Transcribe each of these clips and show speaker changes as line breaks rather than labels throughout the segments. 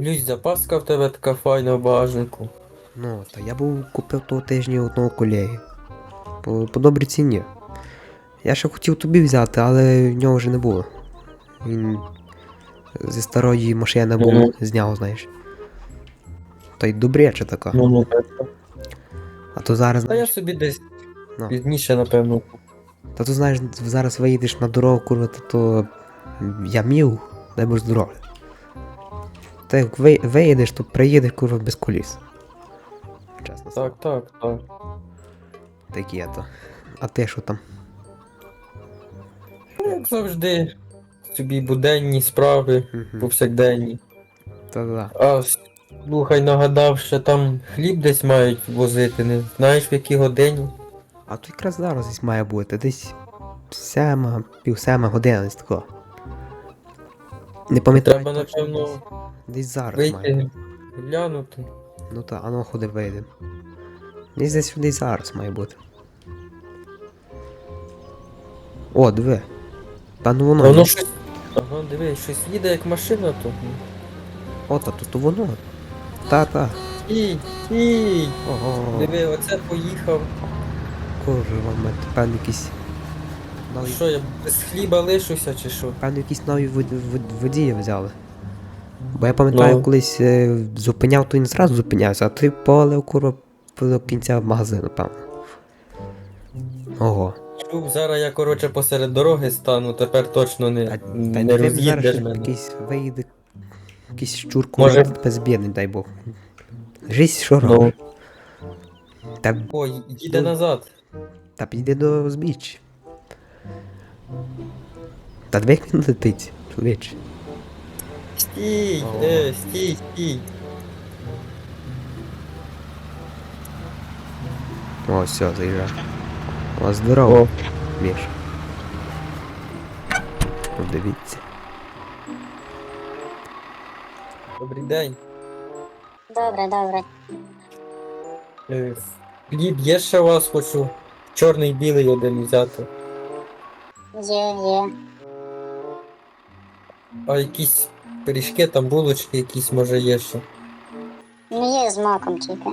Дивлюсь, запаска в тебе така файна в багажнику.
Ну, та я був купив того тижня одного колеги. По добрій ціні. Я ще хотів тобі взяти, але в нього вже не було. Він зі старої машини був, зняв, знаєш. Та й добряче така.
Ну,
А то зараз,
та я
знаєш.
собі десь
Ну.
пізніше, напевно.
Та то знаєш, зараз виїдеш на дорогу, курва, то я мів, дай Бог здоров'я. Та як виїдеш, то приїдеш, курва, без коліс. Чесно слово.
Так.
Такі то. А ти що там?
Як завжди, собі буденні справи, повсякденні.
Та-да.
А слухай, нагадав, що там хліб десь мають возити, не знаєш в якій годині?
А то якраз зараз десь має бути, десь 7, пів-7 година десь такого. Не пам'ятаю.
Треба,
точно,
напевно,
десь зараз має.
вийти, глянути.
Ну та, ану ходи вийде. Десь зараз має бути. О, диви. Та ну воно.
Воно щось. Ага, дивись, щось їде як машина то.
О, то воно. Та.
Стій!
Ого.
Диви, оце поїхав.
Курва, мать, певно якісь. Нові,
Що, я без хліба лишуся чи що?
певно якісь нові водії взяли. Бо я пам'ятаю,
Ну.
колись зупиняв, то він зразу зупинявся, а ти повалив, курва, до кінця магазину, певно. Ого.
Чув, зараз я, коротше, посеред дороги стану, тепер точно
Та
не
не зараз
роз'їдеш
ще
мене.
якийсь виїде, якийсь щур,
Може-
курва, безбідний, дай Бог. Жизнь що
Ну.
робить? Та,
Ой, їде
Ну.
назад.
та підійди до збіччя. Та диви, як він летить, чоловіче.
Стій,
О.
стій.
О, все, заїжджай. О, здорово,
О,
Міш. Подивіться.
добрий день.
Добре.
Е, Хліб є ще у вас, хочу чорний білий один взяти.
Є.
А якісь пиріжки, там булочки якісь може є ще.
Не є з маком тільки.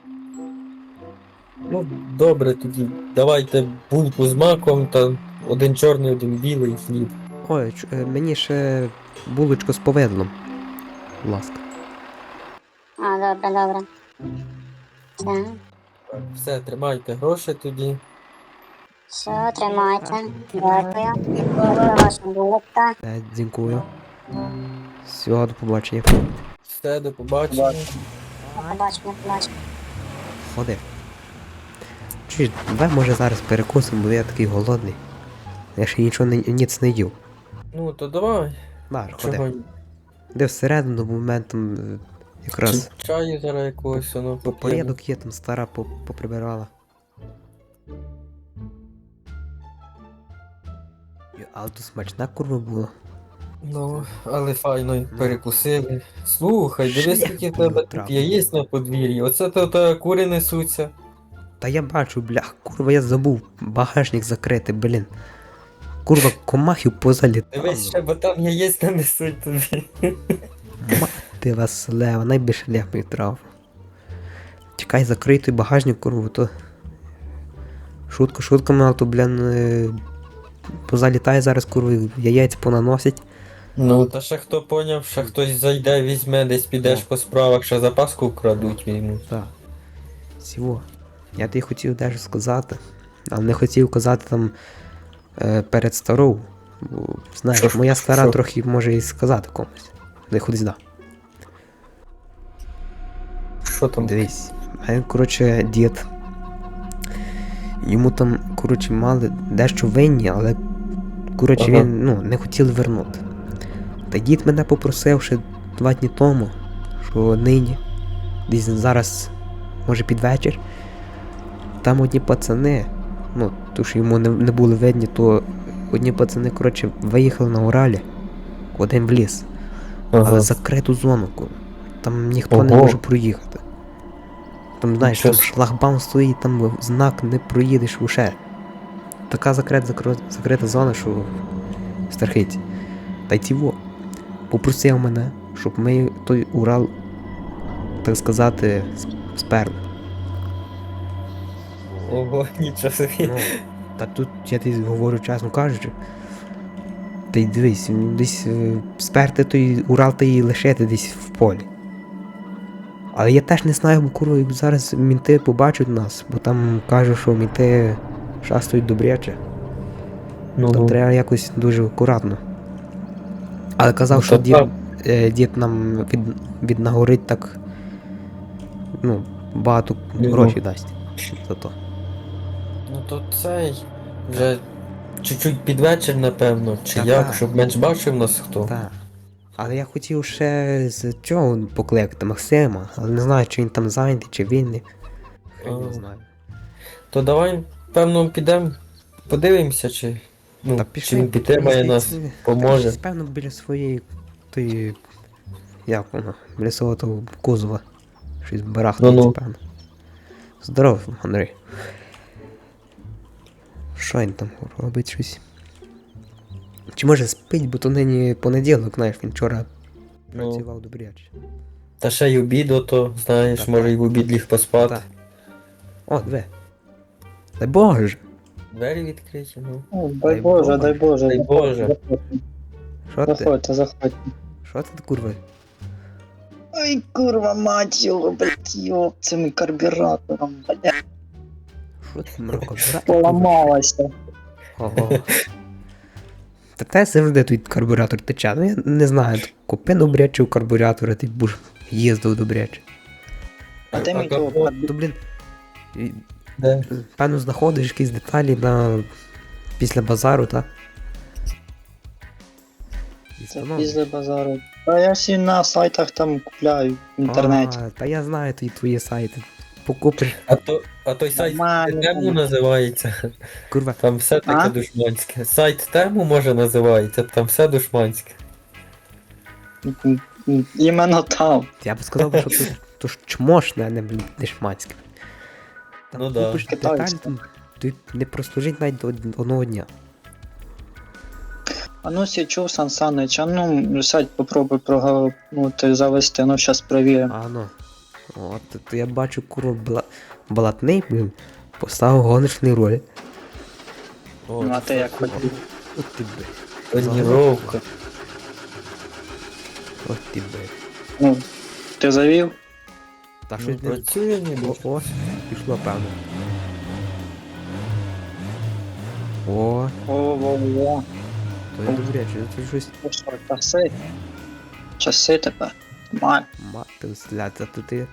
Ну, добре тоді. Давайте булку з маком та один чорний, один білий хліб.
Ой, мені ще булочку з повидлом. Будь ласка.
А, добре. Так.
Все, тримайте гроші тоді.
Все, тримайте. Дякую. Дякую, ваша булочка.
Дякую. Всього, до побачення.
Все, до побачення.
Побачимо.
Ходи. Чуєш, давай може зараз перекусимо, бо я такий голодний. Я ще нічого ніц не їв.
Ну, то давай.
Бар,
Чого?
ходи. Де всередину моментом якраз
Чаю зараз якогось, воно поп'ємо.
порядок є, там стара поприбирала. Але то смачна курва була.
Ну, але файно перекусили. Слухай, дивись,
Шлях
скільки в тебе тут
потрапив.
яєць на подвір'ї. Оце то кури несуться.
Та я бачу, блях, курва, я забув багажник закрити, блін. Курва, комахів позалітало.
Дивись ще, бо там яєць не несуть тобі.
Мати Василева, найбільше ляпів трав. Чекай, закрий той багажник, курва, то... Шутками, але то, блін, позалітає зараз, курва, яєць понаносять.
Ну, та ще хто поняв, ще хтось зайде, візьме, десь підеш
Ну.
по справах, ще запаску вкрадуть йому.
Так. Всього. Я тобі хотів дещо сказати, але не хотів казати там перед старою. Бо, знаєш,
Що?
моя стара
Що?
трохи може і сказати комусь. Не ходи сюди.
Що там?
Дивись, мене, коротше, дід. Йому там, коротше, мали дещо винні, але, коротше,
Ага.
він, не хотіли вернути. Та дід мене попросив ще 2 дні тому, що нині, десь зараз, може під вечір, там одні пацани, то що йому не були видні, то одні пацани, коротше, виїхали на Уралі, один в ліс,
Ага.
але закриту зону, там ніхто не
Ого.
може проїхати. Там, знаєш, там
Нічого собі.
шлагбаум стоїть, там знак не проїдеш уже. Така закрита зона, що страхить. Та й тіво. Попросив мене, щоб ми той Урал, так сказати, сперли.
Ого, нічого собі.
Ну, та тут я тобі говорю чесно кажучи. Ти дивись, десь сперти той Урал та й лишити десь в полі. Але я теж не знаю, бо курва, як зараз мінти побачать нас, бо там кажуть, що мінти шастають добряче.
Ну,
То треба якось дуже акуратно. Але казав,
Ну,
що
то
дід,
так.
дід нам віднагорить так. Ну, багато
Ну.
грошей дасть за то.
ну то цей. Вже чуть-чуть під вечір, напевно, чи
Та
як,
так.
щоб менш бачив нас хто.
Так. Але я хотів ще з цього покликати Максима, але не знаю, чи він там зайнятий, чи вільний. Хрен не
А.
знаю.
То давай, певно, підемо, подивимося, чи. Ну,
Та
чи
пішли,
він підтримає
мені
нас,
здається,
поможе.
та, Певно, біля своєї тої. Як воно? Біля свого того кузова. Щось барахтається,
Ну-ну.
певно. Здорово, Андрій. Що він там робить щось? Чи може спить, бо то нині понеділок, знаєш, він вчора
Ну,
працював добряче.
та ще й обід, ото, знаєш,
Та
може
так.
й в обід ліг поспати.
Так. О, диви. Дай Боже!
Двері відкриті, ну.
О,
Дай
дай Боже, дай Боже.
Дай Боже.
Що ти?
Заходьте, заходьте.
Що ти, курва?
Ой, курва, мать його, блядь, йоп, цим карбюратором, блядь,
Що ти, мрако?
поламалася.
Ого. Та те завжди тут карбюратор тече. Ну я не знаю, купи добрячого карбюратора, ти будеш їздив добряче.
А де мій
капот?
того
То, блін, і,
Де?
певно, знаходиш якісь деталі на... після базару, так? І
Це
встановлюєш.
після базару. Та я всі на сайтах там купляю в інтернеті.
А, та я знаю твої сайти. Покупиш,
А той сайт
Нормально.
Тему називається.
курва.
Там все таке
А?
душманське. Сайт Тему може називається, там все душманське.
Іменно там.
Я б сказав, що тут то ж чмошне, а не, блін, не шманське. Там
Ну да.
купиш деталь,
Китайське.
там ти не прослужить навіть до одного дня.
А ну сі чув, Сан Санич, а ну сядь, попробуй прогавнути, завести, ну щас перевіримо.
А ну. От, то я бачу, курва, блатний, блін, поставив гоночний роль.
О,
Ну а ти як хотів.
От ти бе.
Тоніровка.
От ти бе.
Ну, ти завів?
Та
Ну,
щось не...
працює ніби.
О, пішло, певно. О,
О-о-о.
то я добряче, це щось
Ну що, часи? Часи тепер. Нормально.
мати сляться, то ти...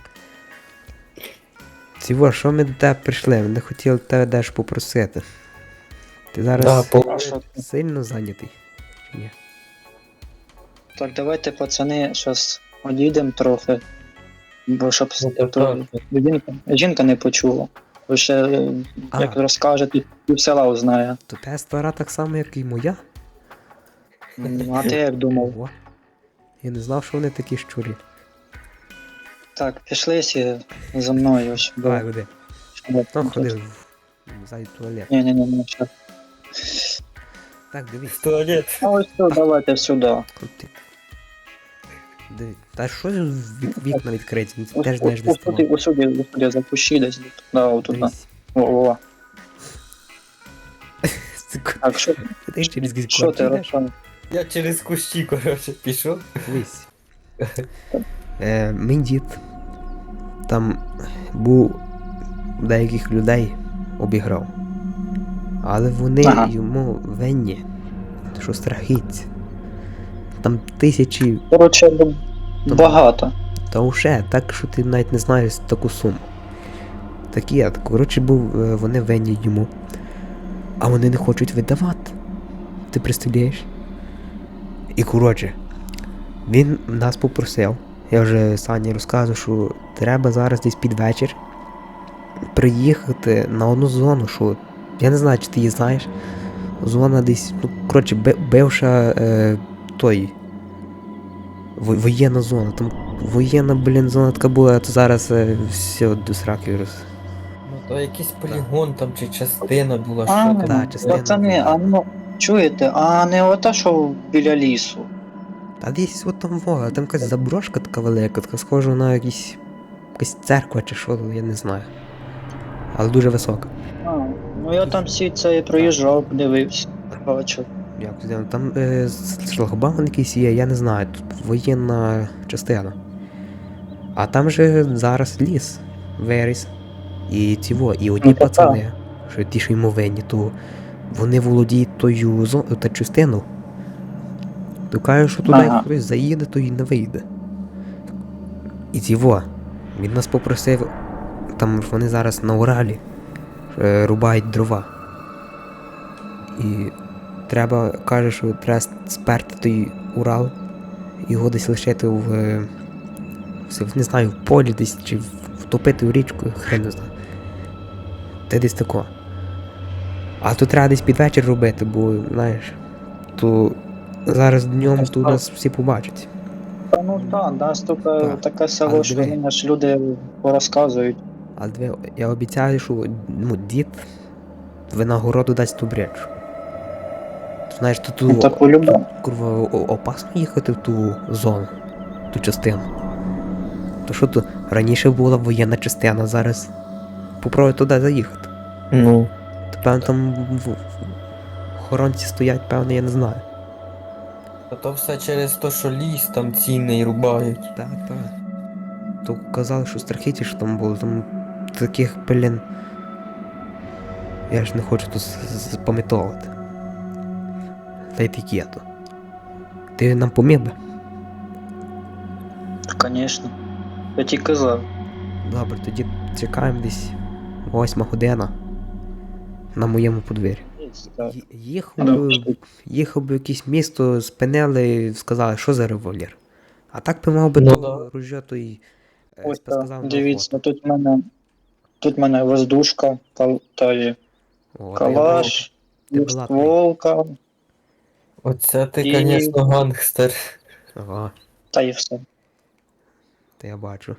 Цього, що ми до тебе прийшли? Ми не хотіли тебе дещо попросити. Ти зараз
Да,
А що ти?
сильно зайнятий? Чи ні?
Так, давайте, пацани, щас одійдемо трохи. Бо щоб
Ну, так,
то
так.
жінка не почула. Ви ще,
А.
як розкажете, пів села узнає.
То те стара так само, як і моя?
А ти як думав?
Ого. Я не знав, що вони такі щурі.
Так, пішли сі за мною. Щоб...
Давай, ходи.
щоб-
Ну, ходи зайди в туалет.
Ні, що.
Так, дивись.
В туалет.
А ось тут, давайте сюди.
От ти. Диви. Та що ж вікна відкриті? Ну, ти
Ось
теж знаєш, де ставати.
усюди, запущи десь. Да, отут.
Дивись.
О.
Сука,
Так, що,
ти через якісь
що ти
йдеш?
розказуєш?
Я через кущі, коротше, пішов.
Дивись. Мій дід там був деяких людей обіграв. Але вони
Ага.
йому винні, що страхіться. Там тисячі,
Коротше, багато.
та уже так, що ти навіть не знаєш таку суму. Такі, коротше, вони винні йому. А вони не хочуть видавати. Ти представляєш? І коротше, він нас попросив. Я вже Сані розказував, що треба зараз десь під вечір приїхати на одну зону, що я не знаю, чи ти її знаєш. Зона десь, ну, коротше, бивша той воєнна зона. Там воєнна, блін, зона така була, а то зараз все до сраки роз.
Ну то якийсь полігон там чи частина була,
А,
що
та,
там.
частина.
Пацани, а ну, чуєте, а не ота, що біля лісу.
Та десь от там во, там якась заброшка така велика, така схожа на якась церква чи що, я не знаю. Але дуже висока.
А, ну я там всі це проїжджав, дивився, бачив.
Як туди, там шлагбаум якийсь є, я не знаю, тут воєнна частина. А там же зараз ліс виріс. І і одні
Ну, та
пацани, що ті, що йому винні, то вони володіють тою та частину. То каже, що туди
Ага.
хтось заїде, то й не вийде. І він нас попросив, там ж вони зараз на Уралі рубають дрова. І треба, каже, що треба сперти той Урал, його десь лишити не знаю, в полі десь, чи втопити в річку, хрен не знаю. Це десь тако. А тут треба десь під вечір робити, бо, знаєш, то зараз днем тут нас всі побачать.
Та ну так, нас тут
Так.
таке село,
Але
що
диви.
мені ж люди порозказують.
Але я обіцяю, що дід винагороду дасть ту бречу. Знаєш,
Ну,
тут
та по-любому.
курва опасно їхати в ту зону, ту частину. То що тут раніше була воєнна частина, зараз попробуй туди заїхати.
Ну.
То певно там охоронці стоять, певно, я не знаю.
А то все через те, що ліс там цінний рубають.
Так. То казали, що страхіті, що там було, там таких, блін. Я ж не хочу тут запам'ятовувати. Та й такі то. Ти нам поміг би?
Звісно. Я ті казав.
Добре, тоді чекаємо десь 8 година на моєму подвір'ї. Їхав би в якесь місто, спинили і сказали, що за револьвер. А так би мав би
Ну
то
да.
ружьо, то й
Ось
сказав
так,
на
дивіться,
охоту.
тут в мене воздушка, та є
О,
калаш,
ти була
стволка,
Оце ти,
І-
звісно, гангстер.
Ага,
та і все.
то я бачу.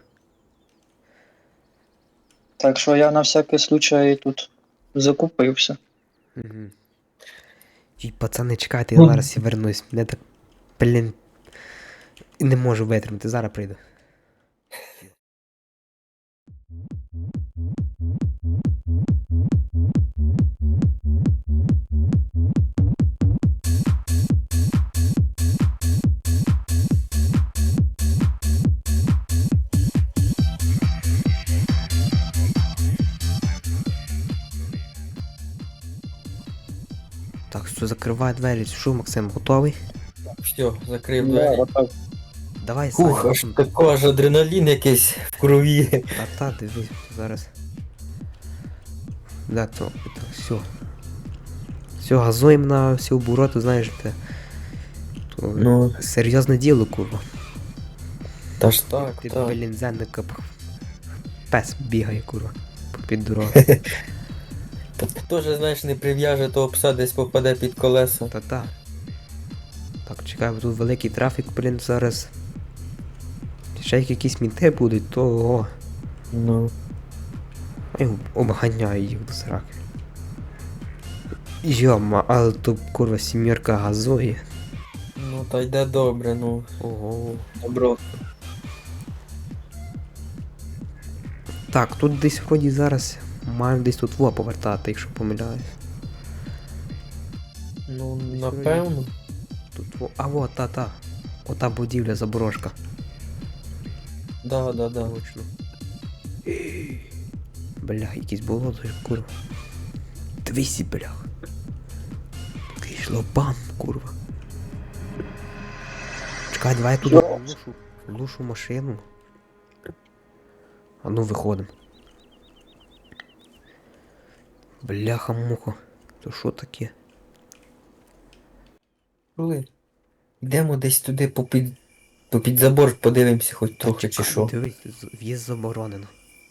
Так що я на всякий случай тут закупився.
Угу. І пацани, чекайте, я зараз і вернусь. Мене так, блін, не можу витримати, зараз прийду. Так, все, закривай двері. Що, Максим, готовий?
Все, закрив
Да,
двері.
отак.
Давай,
Ух, аж такий аж адреналін якийсь в крові.
Та, дивись, зараз. Да, то, все. Все, газуємо на всі обороти, знаєш, то
Ну,
серйозне діло, курва.
та ж так,
Ти,
так.
блін, зенника пес бігає, курва, попід дорогу.
Теж, знаєш, не прив'яже, то пса десь попаде під колеса.
Та. Так, чекай, бо тут великий трафік, блін, зараз. Ще як якісь мінти будуть, то ого.
Ну.
Я обганяю їх до сраки. Йома, але то курва сім'єрка газує.
Ну, та йде добре, ну.
Ого.
Добро.
Так, тут десь вроді зараз маємо десь тут повертати, якщо помиляюсь.
Ну, напевно.
Тут а вот та. Ота будівля заборожка.
Да.
Точно. Бля, якесь болото, курва. 200, блях. Такий шлопан, курва. Чекай, давай я туди лушу машину. А ну виходимо. Бляха-муха. То що таке?
Коли? Йдемо десь туди попід забор, подивимося хоч трохи чи що.
Дивись, в'їзд заборонено.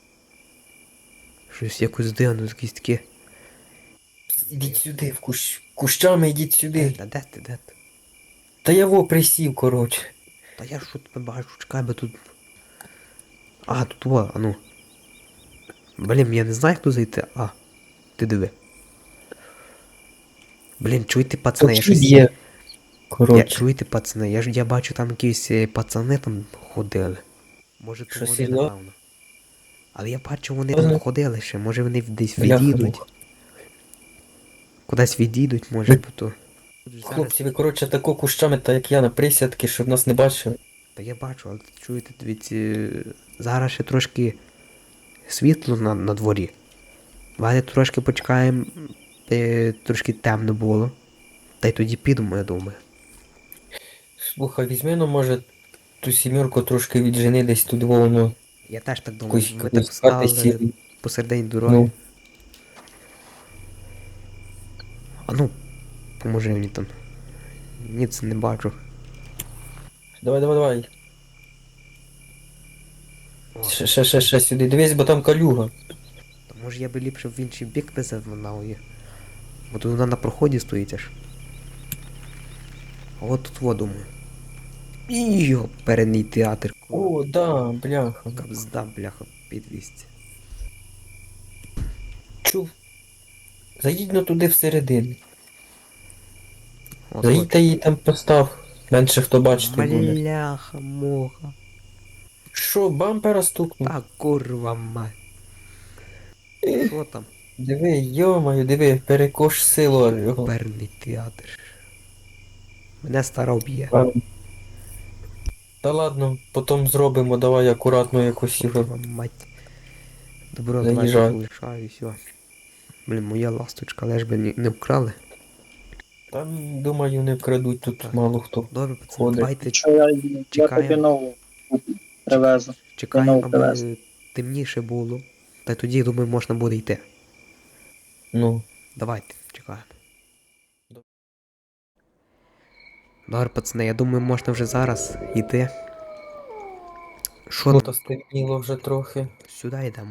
Щось якось дивно, якісь таке.
Ідіть сюди, кущами йдіть сюди.
Та де ти?
Та я во присів, коротше.
Та я що тебе бачу, чекай, бо тут. А, тут во, а ну. Блін, я не знаю, як тут зайти. А, ти диви. Блін, чуєте, пацани, я
Тут
щось.
є. Коротше,
Чуєте, пацани, я бачу там якісь пацани там ходили. Може то
Що,
вони,
серйозно?
напевно. Але я бачу, вони
Серйозно?
там ходили ще, може вони десь
бляха,
відійдуть. Кудись відійдуть, може,
Ви-
бо то. Зараз.
хлопці, ви коротше тако кущами, так як я на присядки, щоб нас не бачили.
Та я бачу, але чуєте, дивіться, зараз ще трошки світло на дворі. Давайте трошки почекаємо, трошки темно було. Та й тоді підемо, я думаю.
Слухай, візьми, ну може ту сімерку трошки віджени десь туди воно.
Я теж так думаю,
Якусь
ви так
спати
стали
сіли.
посередині дороги.
Ну,
А ну, поможи мені там. Ні, це не бачу.
давай.
О,
Ще сюди. Дивись, бо там калюга.
то може я би ліпше в інший бік би завинав її. Бо тут вона на проході стоїть аж. А от тут во думаю. Йо, передній театр.
О, да, бляха.
Кабзда, бляха, підвісті.
Чув. Заїдь ну туди всередину.
От,
Заїдь та її там постав. Менше хто бачити буде.
Бляха, муха.
Що, бампера стукнув?
Та курва мать. Що там?
Диви, йомаю, диви, перекош силу його.
Перний театр. Мене стара б'є.
Та ладно, потім зробимо, давай акуратно якось його.
Курва мать. Добро,
Заїжджай.
давай полишаю і все. Блін, моя ласточка, лиш би не вкрали.
Там, думаю, не вкрадуть тут
Так.
мало хто.
Добре, пацани,
Ходить.
давайте
Що я
Чекаємо.
тобі нову привезу.
чекаємо,
знову привез.
аби темніше було. Та тоді, думаю, можна буде йти.
Ну,
Давайте, чекаємо. Добре, пацани, я думаю, можна вже зараз йти. Що
ну
там?
то стемніло вже трохи.
Сюди йдемо.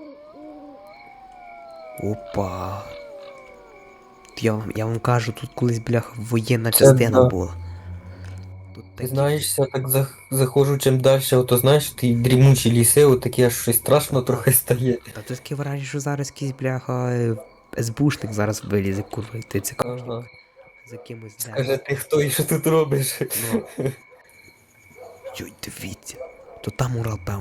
Опа. Я вам кажу, тут колись, бляха, воєнна
Це
частина
да.
була. Тут
Ти
такі...
знаєш, я так заходжу чим далі, ото знаєш, ті дрімучі ліси, от такі аж щось страшно трохи стає.
Та тут таке враження, що зараз якийсь, бляха, СБУшник зараз вилізе, курва, і ти цікавиш.
Ага.
За кимось
Скаже, ти хто і що тут робиш?
Ну. Йой, дивіться. То там Урал, певно.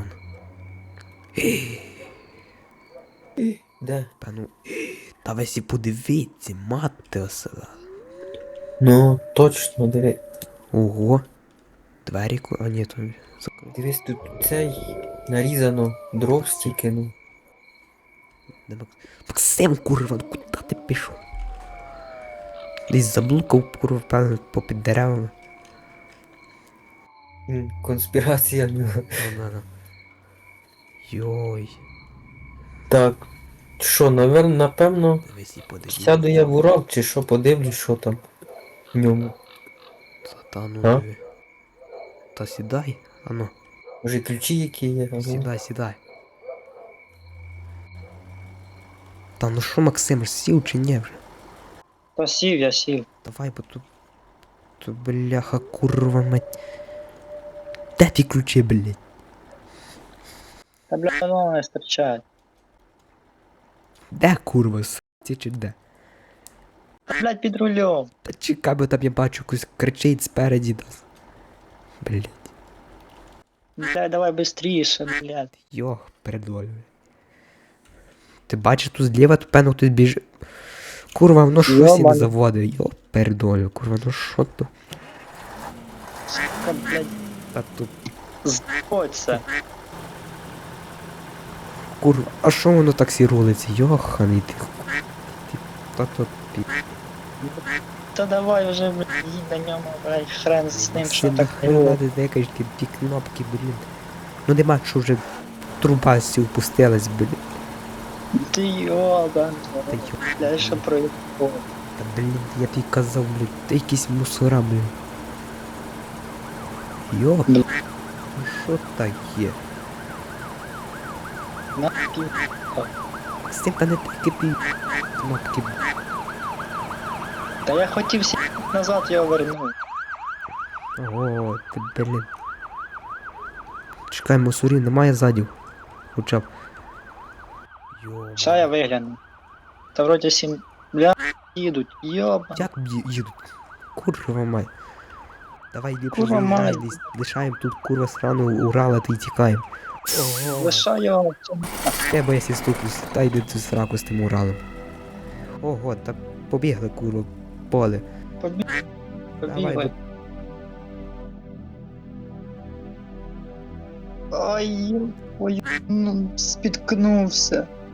Де?
Певно. Та ви сі подивіться, мати осела.
Ну, точно, диви.
Ого. Двері, а ні, то закрив.
Дивись, тут цей нарізано дров стільки, ну.
Максим, курва, ну куди ти пішов? Десь заблукав, курва, певно, попід деревами.
Конспірація в нього.
Ну. Йой.
Так. Що, напевно,
Дивись і подивіться.
сяду я в Урал, чи що, подивлюсь, що там в ньому.
Та ну.
А?
Та сідай, ану.
Може ключі які є? Ага.
Сідай. Та ну що, Максим, ж сів чи ні вже?
То сів, я сів.
Давай, бо тут... Тут, бляха, курва мать. Де ті ключі, блядь?
Та бля, воно не стерчать.
Де курва, с**ті чи де?
Та блядь, під рулем.
Та чекай, бо там я бачу, якось кричить спереді нас. Блядь.
Блядь, давай быстріше, блядь.
Йох, передолю. Ти бачиш тут зліва, то певно хтось біжить. Курва, воно щось і не
Йобаний.
заводить. Йо, передолю, курва, ну що то?
Сука, блядь,
Та тут,
знаходься.
курва, а що воно так сі рулиться? Йоханий ти. Та то пі...
Та давай вже, блядь, їдь на ньому, блядь, хрен з ним, що
Сильно
так
хрена ти декаєш ті кнопки, блін. Ну нема, що вже труба сі впустилась, блін.
Ти йобан,
Та йо,
блядь, що проїхав.
та блін, я тобі казав, блін, ти якісь мусора, блін. Йо,
Блін.
ну що таке?
На пів.
З цим та не такі ті кнопки.
Та я хотів сі назад його вернути.
О, ти, блін. Чекай, мусорів немає ззаді. Хоча б. Йо.
Ща я вигляну. Та вроді сім, бля, їдуть, йобан.
Як їдуть? Курва май. Давай ліпше
Курва
заїжджай,
мать.
десь лишаємо тут курва срану Урала та й тікаємо. Ого.
Лишай його.
Треба я ступлюсь, та йди цю сраку з тим Уралом. Ого, та побігли курва, поле.
Побігли. Ай, ой, ну, спіткнувся.